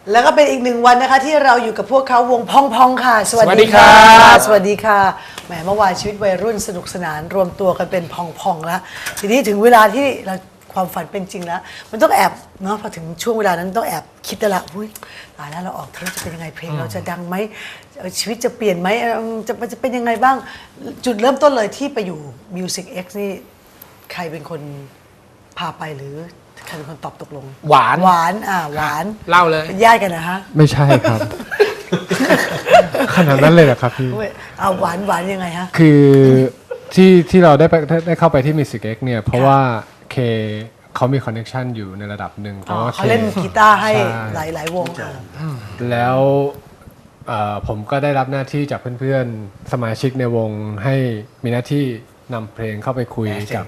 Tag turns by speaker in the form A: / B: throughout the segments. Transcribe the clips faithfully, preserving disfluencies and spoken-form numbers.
A: แล้วก็เป็นอีกหนึ่งวันนะคะที่เราอยู่กับพวกเขาวงพองพองค่ะสวัสดีค่ะสวัสดีค่ะแหมเมื่อวานชีวิตวัยรุ่นสนุกสนานรวมตัวกันเป็นพองพองแล้วทีนี้ถึงเวลาที่เราความฝันเป็นจริงแล้วมันต้องแอบเนาะพอถึงช่วงเวลานั้นต้องแอบคิดแต่ละอุ้ยตายแล้วเราออกเทปจะเป็นยังไงเพลงเราจะดังไหมชีวิตจะเปลี่ยนไหมจะมันจะเป็นยังไงบ้างจุดเริ่มต้นเลยที่ไปอยู่ Music X นี่ใครเป็นคนพาไปหรือใครเป็นคนตอบตกลง
B: หวาน
A: หวานอ่าหวาน
B: เล่าเลย
A: เป็นญาติกันนะฮะ
C: ไม่ใช่ครับ ขนาดนั้นเลยเหรอครับพี่
A: เอาหวานหวานยังไงฮะ
C: คือที่ที่เราได้ไปได้เข้าไปที่ Music X เนี่ยเพราะว่าเคเขามีคอนเนคชันอยู่ในระดับหนึ่งเพราะว่า
A: เขาเล่นกีตาร์ให้หลายหลายวง
C: แล้วผมก็ได้รับหน้าที่จากเพื่อนๆสมาชิกในวงให้มีหน้าที่นำเพลงเข้าไปคุยกับ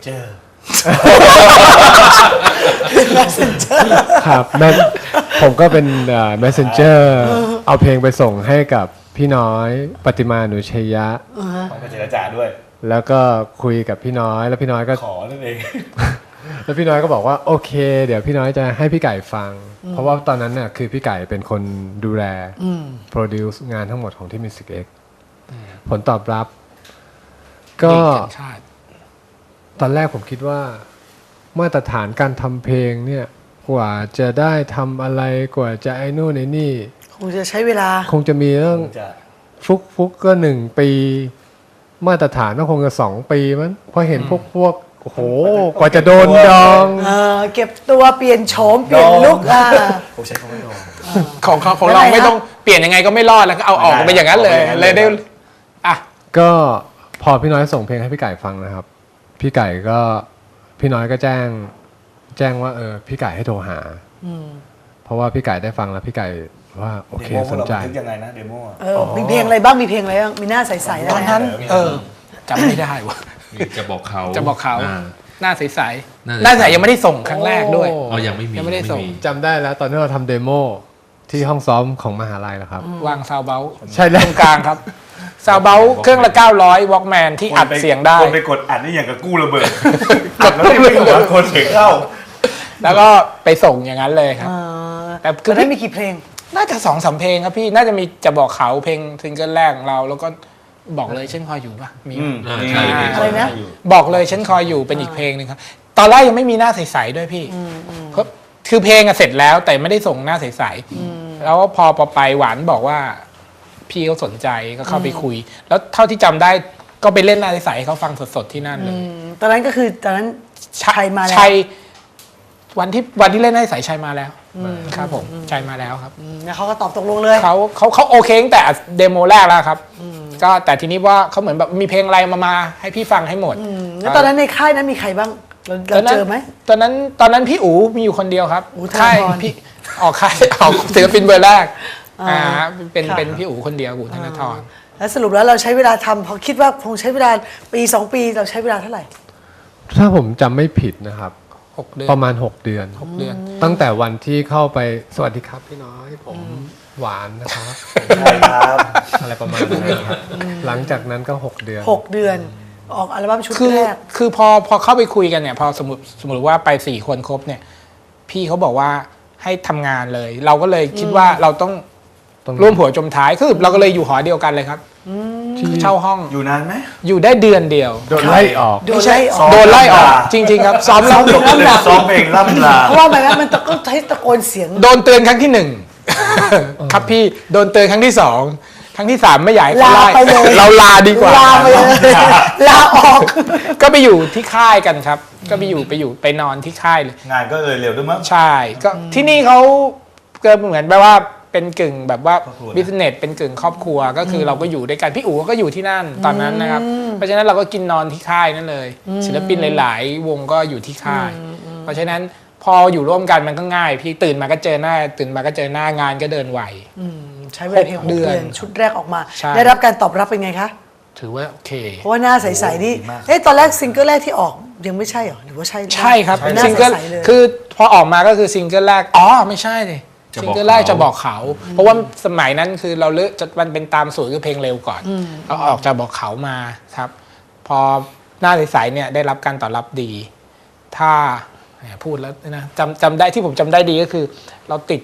C: ครับแม่ผมก็เป็น messenger เอาเพลงไปส่งให้กับพี่น้อยปฏิมาหนูชัยยะ
D: ต้องไปเจรจาด้วย
C: แล้วก็คุยกับพี่น้อยแล้วพี่น้อยก็
D: ขอนั่นเอง
C: แล้วพี่น้อยก็บอกว่าโอเคเดี๋ยวพี่น้อยจะให้พี่ไก่ฟังเพราะว่าตอนนั้นน่ะคือพี่ไก่เป็นคนดูแลโปรดิวซ์งานทั้งหมดของที่ Music X ผลตอบรับก็ตอนแรกผมคิดว่ามาตรฐานการทำเพลงเนี่ยกว่าจะได้ทำอะไรกว่าจะไอ้นู่นไอ้นี่
A: คงจะใช้เวลา
C: คงจะมีเรื่องฟุกฟุกก็หนึ่งปีมาตรฐานก็คงจะสองปีมั้งเพราะเห็นพวกพวกโอ้โหกว่าจะโดนดอง
A: เออเก็บตัวเปลี่ยนโฉมเปลี่ยนลุคอ่ะ
D: ผมใช้คำว่าดอง
B: ของเขาของเราไม่ต้องเปลี่ยนยังไงก็ไม่รอดแล้วก็เอาออกไปอย่างนั้นเลยเลยได้อ่ะ
C: ก็พอพี่น้อยส่งเพลงให้พี่ไก่ฟังนะครับพี่ไก่ก็พี่น้อยก็แจ้งแจ้งว่าเออพี่ไก่ให้โทรหาเพราะว่าพี่ไก่ได้ฟังแล้วพี่ไก่ว่าโอเคสนใจ
D: ยังไงนะเดโม
A: เออมีเพลงอะไรบ้างมีเพลงอะไรบ้างมีหน้าใสๆ
B: ตอนนั้นเออจำไม่ได้วะ
E: จะบอกเขา
B: จะบอกเขาหน้าใสๆหน้าใสยังไม่ได้ส่งครั้งแรกด้วย
E: อ๋อยังไม่มี
B: ยังไม่ได้ส่ง
C: จำได้แล้วตอนที่เราทำเดโมที่ห้องซ้อมของมหาลัยแล้วครับ
B: วางซาวเบล
C: ใช่แล้ว
B: ตรงกลางครับซาวเบลเครื่องละเก้าร้อยวอล์กแมนที่อัดเสียงได้
D: คนไปกดอัดนี่อย่างกับกู้ระเบิดกดแล้วไม่กดคนเสียงเข้า
B: แล้วก็ไปส่งอย่างนั้นเลยครับ
A: แต่คือได้มีกี่เพลง
B: น่าจะสองสามเพลงครับพี่น่าจะมีจะบอกเขาเพลงซิงเกิลแรกของเราแล้วก็บอกเลยฉันคอยอยู่ป่ะมี
A: อะไรนะ
B: บอกเลยฉันคอยอยู่เป็นอีกเพลงนึงครับตอนแรกยังไม่มีหน้าใสๆด้วยพี่เพราะคือเพลงอะเสร็จแล้วแต่ไม่ได้ส่งหน้าใสๆแล้วพอพอไปหวานบอกว่าพี่เขาสนใจก็เข้าไปคุยแล้วเท่าที่จำได้ก็ไปเล่นหน้าใสๆให้เขาฟังสดๆที่นั่นเลย
A: ตอนนั้นก็คือตอนนั้นชัยมาแล้ว
B: ชัยวันที่วันที่เล่นหน้าใสชัยมาแล้วครับผมชัยมาแล้วครับ
A: แล้วเขาก็ตอบตกลงเลย
B: เขาเขาเขาโอเคตั้งแต่เดโมแรกแล้วครับก็แต่ทีนี้ว่าเขาเหมือนแบบมีเพลงอะไรมามาให้พี่ฟังให้หมด
A: แล้วตอนนั้นในค่ายนั้นมีใครบ้างเราเจอไหม
B: ตอนนั้นตอนนั้นพี่อู๋มีอยู่คนเดียวครับค่ายพี่ออกค่ายออกศิลปินเบอร์แรกอ่าเป็นเป็นพี่อู๋คนเดียวอู๋ธนทร
A: แล้วสรุปแล้วเราใช้เวลาทำพอคิดว่าคงใช้เวลาปีสองปีเราใช้เวลาเท่าไหร่
C: ถ้าผมจำไม่ผิดนะครับประมาณหกเดือน
B: หกเดือน
C: ตั้งแต่วันที่เข้าไปสวัสดีครับพี่น้อยผมหวานนะครับ
D: ใช่ครับ
C: อะไรประมาณนั้นครับหลังจากนั้นก็หกเดือน
A: หกเดือนออกอัลบั้มชุดแรก
B: คือพอพอเข้าไปคุยกันเนี่ยพอสมมติสมมติว่าไปสี่คนครบเนี่ยพี่เขาบอกว่าให้ทำงานเลยเราก็เลยคิดว่าเราต้องร่วมหัวจมท้ายคือเราก็เลยอยู่หอเดียวกันเลยครับเช่าห้อง
D: อยู่นานไหม
B: อยู่ได้เดือนเดียว
C: โดนไล่ออก
A: โดนไล่ออก
B: โดนไล่ออกจริงๆครับซ้อม
D: ล่ำลาซ้อมเพลงล่ำลา
A: เพราะว่าแบบนั้นมันตะโกนตะโกนเสียง
B: โดนเตือนครั้งที่หนึ่งครับพี่โดนเตือนครั้งที่สองครั้งที่สามไม่ใหญ่
A: ลาไปเลย
B: เราลาดีกว่า
A: ลาไปเลยลาออก
B: ก็ไปอยู่ที่ค่ายกันครับก็ไปอยู่ไปอยู่ไปนอนที่ค่ายเลย
D: งานก็เลยเร็วด้วยมั้ง
B: ใช่ก็ที่นี่เขาก็เหมือนแบบว่าเป็นกึ่งแบบว่าบิสเนสเป็นกึ่งครอบครัวก็คือเราก็อยู่ด้วยกันพี่อู๋ก็อยู่ที่นั่นตอนนั้นนะครับเพราะฉะนั้นเราก็กินนอนที่ค่ายนั่นเลยศิลปินหลายๆวงก็อยู่ที่ค่ายเพราะฉะนั้นพออยู่ร่วมกันมันก็ง่ายพี่ตื่นมาก็เจอหน้าตื่นมาก็เจอหน้างานก็เดินไหว
A: ใช้เวลาเพียงหกเดือนชุดแรกออกมาได้รับการตอบรับเป็นไงคะ
B: ถือว่าโอเค
A: เพราะว่าหน้าใสๆนี่เฮ้ยตอนแรกซิงเกิลแรกที่ออกยังไม่ใช่หรอหรือว่าใช่
B: ใช่ครับซิงเกิลคือพอออกมาก็คือซิงเกิลแรกอ๋อไม่ใช่เลยซิงเกิลแรกจะบอกเขาเพราะว่าสมัยนั้นคือเราเลือกจะมันเป็นตามสูตรคือเพลงเร็วก่อนเราออกจะบอกเขามาครับพอหน้าใสๆเนี่ยได้รับการตอบรับดีถ้าพูดแล้วนะจำจำได้ที่ผมจำได้ดีก็คือเราติด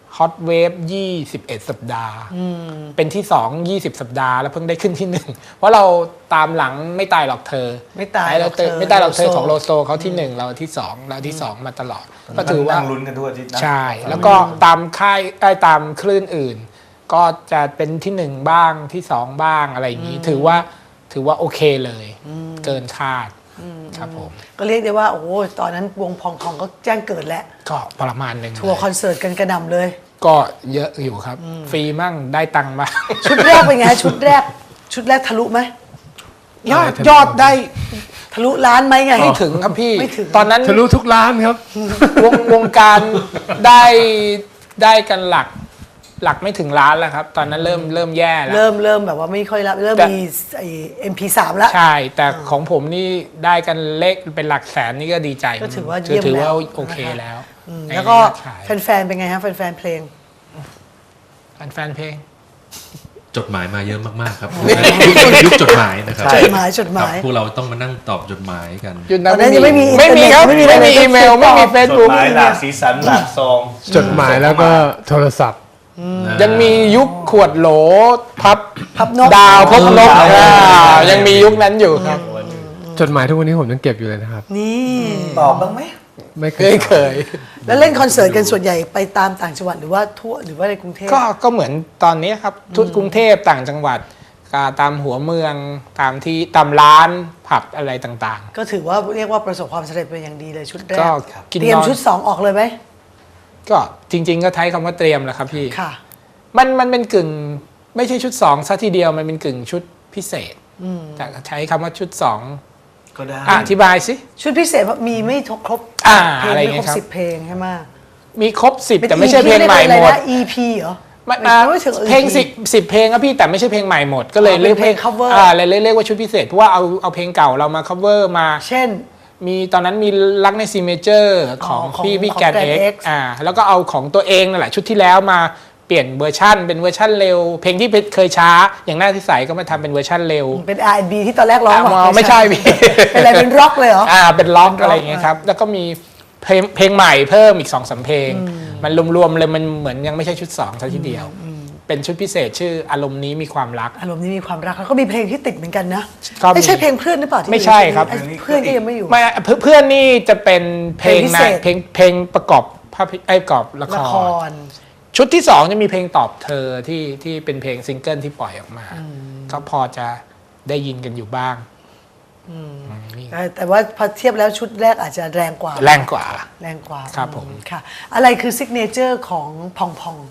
B: Hot Wave ยี่สิบเอ็ด สัปดาห์เป็นที่สองยี่สิบสัปดาห์แล้วเพิ่งได้ขึ้นที่หนึ่งเพราะเราตามหลังไม่ตายหรอกเธอ
A: ไม่ตายหรอกเธอ
B: ไม่ตายหรอกเธอ
A: โลโซ
B: ของโลโซเขาที่หนึ่งเราที่สองเราที่สองมาตลอดก็ถือว่า
D: นั่งลุ้นกันทุกอาทิตย์นะ
B: ใช่ แล้วก็ตามค่ายได้ตามคลื่นอื่น ก็จะเป็นที่หนึ่งบ้างที่สองบ้างอะไรอย่างนี้ ถือว่าถือว่าโอเคเลย เกินคาดครับผม
A: ก็เรียกได้ว่าโอ้โหตอนนั้นวงพองพองก็แจ้งเกิดแล้ว
B: ก็ประมาณหนึ่ง
A: ทัวร์คอนเสิร์ตกันกระหน่ำเลย
B: ก็เยอะอยู่ครับ ฟรีมั่งได้ตังค์มา
A: ชุดแรกเป็นไงฮะชุดแรก ชุดแรกทะลุไหม
B: ยอดยอดได้
A: ทะลุล้านไหมไง
B: ไม่ถึงครับพี่
A: ไม่ถึง
B: ตอนนั้น
C: ทะลุทุกร้านครับ
B: วงวงการได้ได้กันหลักหลักไม่ถึงล้านแล้วครับ ตอนนั้นเริ่มเริ่มแย่แล้ว
A: เริ่มเริ่มแบบว่าไม่ค่อยรับเริ่ม
B: แต่
A: มีไอ้ เอ็ม พี สาม แล้ว
B: ใช่ แต่ของผมนี่ได้กันเลขเป็นหลักแสนนี่ก็ดีใจ
A: ก็ถือว่าเยี่ยม
B: ถือว่า
A: แล้ว
B: โอเคแล้ว
A: อืม
B: ใน
A: แล้วก็
B: ยอดขาย
A: แฟนๆเป็นไงฮะแฟนๆเพลง
B: แฟนเพลง
E: จดหมายมาเยอะมากๆครับยุคจดหมายนะครับ
A: จดหมายจดหมาย
E: ครับพวกเราต้องมานั่งตอบจดหมายกัน
B: ยุค
A: ตอนนั้นยังไม่มี
B: ไม่มีครับ
A: ไม่มี
B: ไม่มี
A: อะไร
B: อีเมล ไม่มีเฟซ
D: จด
B: บุ๊ก
D: หมายหลากสีสันหลากซอง
C: จดหมายแล้วก็โทรศัพท์
B: ยังมียุคขวดโหลพับ
A: พับนก
B: ดาวพบนก
D: ดาว
B: อ่ายังมียุคนั้นอยู่ครับ
C: จดหมายทุกวันนี้ผมยังเก็บอยู่เลยนะครับ
A: นี่
D: ตอบบ้างไหม
C: ไม่เค
B: เค
C: ย
B: ยเคย
A: แล้วเล่นคอนเสิร์ตกันส่วนใหญ่ไปตามต่างจังหวัดหรือว่าทั่วหรือว่าในกรุงเทพ
B: ก็ก็เหมือนตอนนี้ครับทุกกรุงเทพต่างจังหวัดก็ตามหัวเมืองตามที่ตามร้านผับอะไรต่าง
A: ก็ถือว่าเรียกว่าประสบความสำเร็จเป็นอย่างดีเลยชุดแร
B: ก็
A: ก
B: กิน
A: เตรียม
B: นอน
A: ชุดสองออกเลยไหม
B: ๆ ก็จริง ๆ ก็ใช้คำว่าเตรียมแหละครับพี่
A: ค่ะ
B: มันมันเป็นกึ่งไม่ใช่ชุดสองซะทีเดียวมันเป็นกึ่งชุดพิเศษแต่ใช้คำว่าชุดสอง
D: ก็ได้
B: อ่ะอธิบายสิ
A: ชุดพิเศษมีไม่ครบ
B: อ่า
A: เพลง
B: อะไร
A: ไม่
B: อย่าง
A: ค
B: เงี้
A: รบ
B: ยครับ
A: สิบเพลงใช่ไหม
B: มีครบสิบ
A: เป็น
B: แต่ไม่ใช่เพลงใหม่หมด
A: อี พี เหรอ
B: ไม่
A: ไม่
B: อ่า
A: ไม่ถึง
B: เพลง
A: อี
B: สิบสิบเพลงครับพี่แต่ไม่ใช่เพลงใหม่หมดก็เลย
A: อ๋อ
B: เรียก
A: เป็นเพลง cover
B: อ่าเลยเรียกเรียกว่าชุดพิเศษเพราะว่าเอาเอาเพลงเก่าเรามา cover มา
A: เช่น
B: มีตอนนั้นมีรักในซีเมเจอร์ของ
A: ของ
B: พี่พี่
A: ของ
B: แกน
A: Grand
B: เอ็ก
A: X
B: อ่าแล้วก็เอาของตัวเองนั่นแหละชุดที่แล้วมาเปลี่ยนเวอร์ชั่นเป็นเวอร์ชั่นเร็ว เพลงที่เคยช้าอย่างหน้าที่ใสก็มาทำเป็นเวอร์ชั่นเร็ว
A: เป็น อาร์ แอนด์ บี ที่ตอนแรกร้อง
B: อ่ะ
A: บอก
B: ไม่ใช่พี่
A: เป็นอะไรเป็นร็อกเลยเหรอ
B: อ่าเป็นล็อก
A: เป็นร็อก
B: อะไรอย่างเงี้ยครับแล้วก็มีเพลงเพลงใหม่เพิ่มอีกสองสามเพลง มันรวมๆเลยมันเหมือนยังไม่ใช่ชุดสองซะทีเดียว เป็นชุดพิเศษชื่ออารมณ์นี้มีความรัก
A: อารมณ์นี้มีความรักแล้วก็มีเพลงที่ติดเหมือนกันนะ
B: ก็มี
A: ไม่ใช่เพลงเพื่อนหรือเปล่าที่
B: ไม่ใช่ครับ
A: ไอ้เพื่อนก็ยังไม่อยู่
B: ไม่เพื่อนเพื่อนนี่จะเป็นเพลง
A: เพลงพิ
B: นะ
A: เศษ
B: เพลงเพลงประกอบภาพไอ้ยประกอบละค
A: ละค
B: ร
A: ร
B: ชุดที่สองจะมีเพลงตอบเธอที่ที่เป็นเพลงซิงเกิลที่ปล่อยออกมา ก็พอจะได้ยินกันอยู่บ้างนี่
A: แต่แต่ว่าพอเทียบแล้วชุดแรกอาจจะแรงกว่า
B: แรงกว่า
A: แรงกว่า
B: ครับผม
A: ค่ะ อะไรคือซิกเนเจอร์ของพองพอง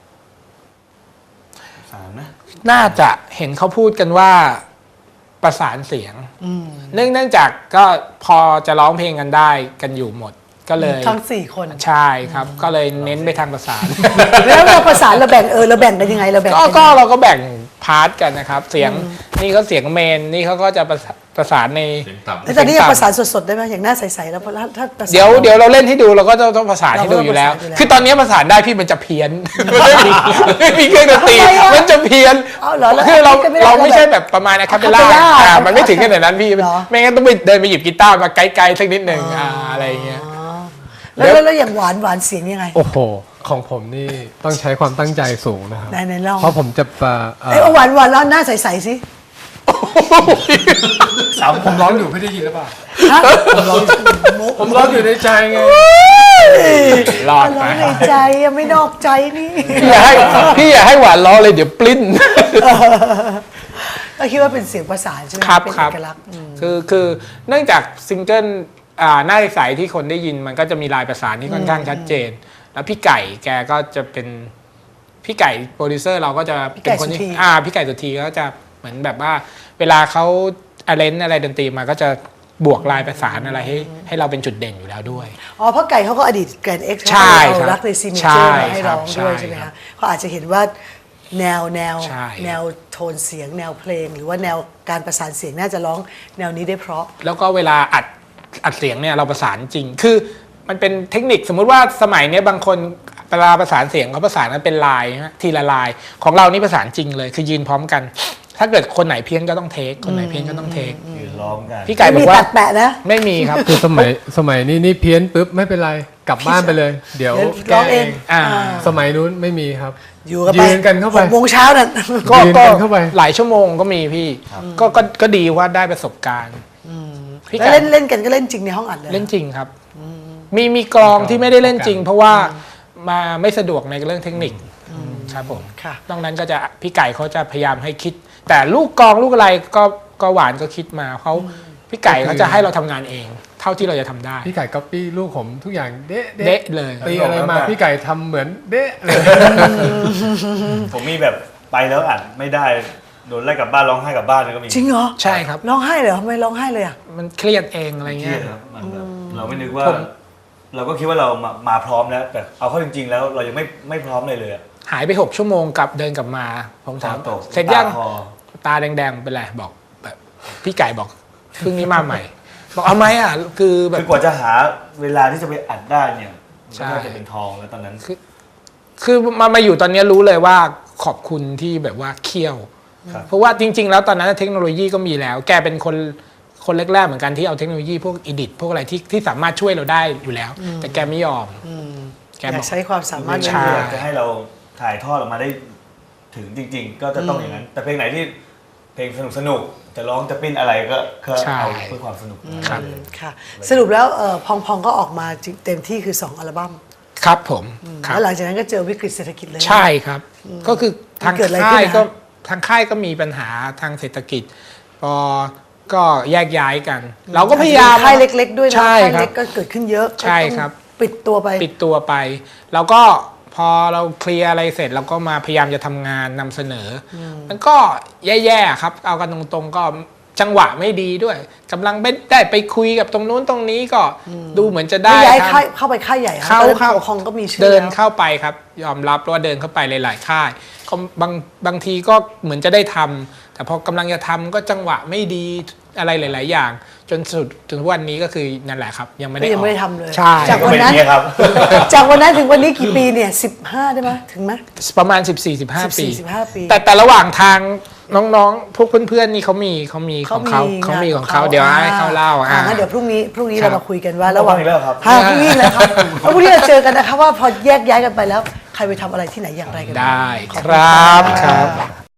D: สามนะ
B: น่าจะเห็นเขาพูดกันว่าประสานเสียงเนื่องเนื่องจากก็พอจะร้องเพลงกันได้กันอยู่หมด ก็เลย
A: ทั้งสี่คน
B: ใช่ครับ ก็เลยเน้นไปทางประสาน
A: แล้วเราประสานเราแบ่งเออเราแบ่งกันยังไงเราแบ่ง
B: ก็
A: กัน
B: ก็เราก็แบ่งพาร์ทกันนะครับ เสียงนี่เขาเสียงเมนนี่เขาก็จะประสาประสานใน
E: เสียงต่ำ
A: แล้วตอนนี้ยังประสานสดๆได้ไหมอย่างหน้าใสๆแล้วถ้าถ้าประสาน
B: เดี๋ยวเดี๋ยวเราเล่นให้ดูเราก็ต้องต้องประสานให้ดู
A: เราก็
B: อยู่แล้ว
A: ประสานอยู่แล้ว
B: คือตอนนี้ประสานได้พี่มันจะเพี้ยนมันไม่มีไม่มีเครื่องดนตรี
A: ทำไมอะ
B: มันจะเพี้ยน
A: เอาเหรอแล้ว
B: คือเรา
A: คิดกันไม่ได้
B: เราไม่ใช่
A: เราแบบ
B: แบบประมาณอะคาเปลล่า
A: acapella
B: อ่ามันไม่ถึงขนาดนั้นพี่
A: เหรอ
B: ไม่งั้นต้องไปเดินไปหยิบกีตาร์มาไกลๆสักนิดหนึ่งอ่าอะไรอย่างเงี้ย
A: แล้วแล้วแล้วอย่างหวานหวานเสียงยังไง
C: โอ้โห ของผมนี่ต้องใช้ความตั้งใจสูงนะครับ
A: ไหนไหนลอง
C: เพราะผมจะเอ่อเอ่อ
A: ไอ้ยเอาหวานหวานแล้วหน้าใสๆสิ
D: สาม
C: ผมร้องอยู่ไม่ได้ยินหรือเปล่า
A: ฮะผมร้อง
C: ผมร้องอยู่ในใจไง
B: รอด
A: ร้
B: ไป
A: องในใจอะไม่นอกใจนี่
B: พี่อย่าให้พี่อย่าให้หวานล้อเลยเดี๋ยวปลิ้น
A: ก็คิดว่าเป็นเสียงประสานใช่ไหม
B: ครับ
A: เป็น
B: ครับ
A: เอกลักษณ์อืม
B: คือคือเนื่องจากซิงเกิลอ่าหน้าใสที่คนได้ยินมันก็จะมีลายประสานที่ค่อนข้างชัดเจน แล้วพี่ไก่แกก็จะเป็นพี่ไก่โปรดิวเซอร์เราก็จะเป็นคนที่อ่าพี่ไก่สุธีก็จะเหมือนแบบว่า เวลาเขาอาเลนอะไรดนตรีมาก็จะบวกลายประสานอะไรให้ให้เราเป็นจุดเด่นอยู่แล้วด้วย
A: อ๋อเพราะไก่เขาก็อดีตแกรนด์เอ็กซ์
B: ใช่ครับ
A: เรารักในซีเม
B: ใช่
A: เจอร์มาให้ร้อง
B: ครับ
A: ด้วย
B: ใช่
A: ใช่ไหม
B: ครั
A: คะ
B: บ
A: เขาอาจจะเห็นว่าแนวแนว
B: ใช่
A: แนวโทนเสียงแนวเพลง หรือว่าแนวการประสานเสียงน่าจะร้องแนวนี้ได้เพราะ
B: แล้วก็เวลาอัดอัดเสียงเนี่ยเราประสานจริง คือมันเป็นเทคนิคสมมุติว่าสมัยเนี้ยบางคนเวลาประสานเสียงเขาประสานกันเป็นลายนะทีละลาย ของเรานี่ประสานจริงเลย คือยืนพร้อมกันถ้าเกิดคนไหนเพี้ยนก็ต้องเทคคนไหนเพี้ยนก็ต้องเทค
D: ยืนร้องกัน
B: พี่ไก่
A: ไม่
B: บอ
A: มี
B: กว่า
A: ตัดแปะนะ
B: ไม่มีครับ
C: คือสมัยสมัยนี้นี่เพี้ยนปุ๊บไม่เป็นไรกลับบ้านไปเลย เดี๋ยว
A: เดี๋ยวร้องเอง
B: อ่า
C: สมัยนู้นไม่มีครับ
A: อยู่กันไป
C: ยืนกันเข้าไป
A: หกโมงเช้านั่น
B: ก็
C: ยืน
B: ก็
C: กันเข้าไป
B: หลายชั่วโมงก็มีพี่ก็ก็ก็ดีว่าได้ประสบการณ์พี่
A: แล้ว
B: ไก่
A: เล่นเล่นกันก็เล่นจริงในห้องอัดเลย
B: เล่นจริงครับ มีมีกลองที่ไม่ได้เล่นจริง เพราะว่ามาไม่สะดวกในเรื่องเทคนิคครับผม
A: ค่ะ
B: นอกนั้นก็จะพี่ไก่เขาจะพยายามให้คิด แต่ลูกกลองลูกอะไรก็ก็หวานก็คิดมาเขาพี่ไก่เขาจะให้เราทำงานเอง เท่าที่เราจะทำได้
C: พี่ไก่ก๊อปปี้ลูกผมทุกอย่างเด๊ะ
B: เด๊ะเลย
C: ตีอะไรมาพี่ไก่ทำเหมือนเด๊ะเลย
D: ผมมีแบบไปแล้วอัดไม่ได้โดนไล่กลับบ้านร้องไห้กลับบ้านเลยก็มี
A: จริงเหรอ
B: ใช่ครับ
A: ร้องไห้เลยเหรอทำไมร้องไห้เลยอ่ะ
B: มันเครียดเองอะไร
D: เครี
B: เงี้
D: ย
B: ย
D: ดครับมันแบบเราไม่นึกว่า
B: ผม
D: เราก็คิดว่าเรามามาพร้อมแล้ว แต่เอาเข้าจริง ๆ แล้วเรายังไม่ไม่พร้อมเลยเลยอะ
B: หายไปหกชั่วโมงกลับเดินกลับมาผมถาม
D: ตก
B: เสร็จยัง
D: ตาคอ
B: ตาแดงๆเป็นไรบอกแบบพี่ไก่บอกเพิ่งนี้มาใหม่ บอกเอาไหมอ่ะคือแบ
D: คื
B: บ
D: อกว่าจะหาเวลาที่จะไปอัดได้เนี่ย
B: ใช่
D: ก็น่าจะเป็นทองแล้วตอนนั้น
B: คือมามาอยู่ตอนนี้รู้เลยว่าขอบคุณที่แบบว่าเคี่ยว
D: ครับ
B: เพราะว่าจริง ๆ แล้วตอนนั้นเทคโนโลยีก็มีแล้ว แกเป็นคนคนแรกๆเหมือนกันที่เอาเทคโนโลยีพวกอีดิทพวกอะไรที่ที่สามารถช่วยเราได้อยู่แล้ว แต่แกไม่ยอมแก
A: อบ ยา
B: อก ก
A: ใช้ความสามารถ
B: ใช่
D: อยากจะให้เราถ่ายทอดออกมาได้ถึงจริง ๆ ก็จะต้องอย่างนั้น แต่เพลงไหนที่เพลงสนุกสนุกๆจะร้องจะปิ้นอะไรก็ก็เอาเพื่อความสนุก
B: ครับ
A: ค่ะ สรุปแล้วเอ่อพองพองก็ออกมาเต็มที่คือสองอัลบั้ม
B: ครับผมครับ
A: แล้วหลังจากนั้นก็เจอวิกฤตเศรษฐกิจเลย
B: ใช่ครับ ก็คือทาง
A: มันเกิดอะไร
B: ค่าย
A: ขึ้นนะ
B: ก็ทางค่ายก็มีปัญหาทางเศรษฐกิจ พอก็แยกย้ายกัน เราก็พยายาม
A: ค่ายเล็ก ๆ ด้วยนะ
B: ใช่
A: ค่าย
B: ครับ
A: เล็กก็เกิดขึ้นเยอะ
B: ใช่ครับ
A: ก็ต้องปิดตัวไป
B: ปิดตัวไป แล้วก็พอเราเคลียร์อะไรเสร็จเราก็มาพยายามจะทำงานนำเสนออมันก็แย่ๆครับ เอากันตรงๆก็จังหวะไม่ดีด้วยกำลังไม่ได้ไปคุยกับตรงนู้นตรงนี้ก็ดูเหมือนจะได้
A: ไม่ย้าย
B: ทำ
A: ค่ายเข้าไปค่ายใหญ่
B: เข้า
A: ตอนนั้น
B: เข้า
A: ปกครองก็มีชื่อ
B: เดิน
A: แล้ว
B: เข้าไปครับ ยอมรับว่าเดินเข้าไปหลาย ๆ ค่ายก็บางบางทีก็เหมือนจะได้ทำแต่พอกำลังจะทำก็จังหวะไม่ดีอะไรหลาย ๆ อย่าง จนสุดถึงวันนี้ก็คือนั่นแหละครับ ยังไม่ได้
A: ก็ยังไม่ได้
B: ออก
A: ทำเลย
B: ใช่
A: จาก
D: ก็
A: วัน
D: เป็น
A: นั้น
D: เนี้ยครับ
A: จากวันนั้นถึงวันนี้กี่ปีเนี่ยสิบห้าได้ไหมถึงไหม
B: ประมาณ สิบสี่ สิบห้า ปี
A: สิบห้าปี
B: แต่แต่ระหว่างทางน้องๆ พวกเพื่อน ๆ นี่เขามีเขามีของเขาเขามีของเขาเดี๋ยวให้เขาเล่า
A: อ่า
B: อ่า
A: งั้นเดี๋ยวพรุ่งนี้พรุ่งนี้
B: ครับ
A: เรามาคุยกันว่าระหว่าง
D: พรุ่งนี้แล้วครับ
A: ฮะพรุ่งนี้แล้วครับแล้วพรุ่งนี้เราเจอกันนะคะว่าพอแยกย้ายกันไปแล้ว ใครไปทำอะไรที่ไหนอย่างไรกันบ้าง
B: ได้
A: ขอบ
B: ค
A: ณ
B: รับ
A: ะ
B: ครับ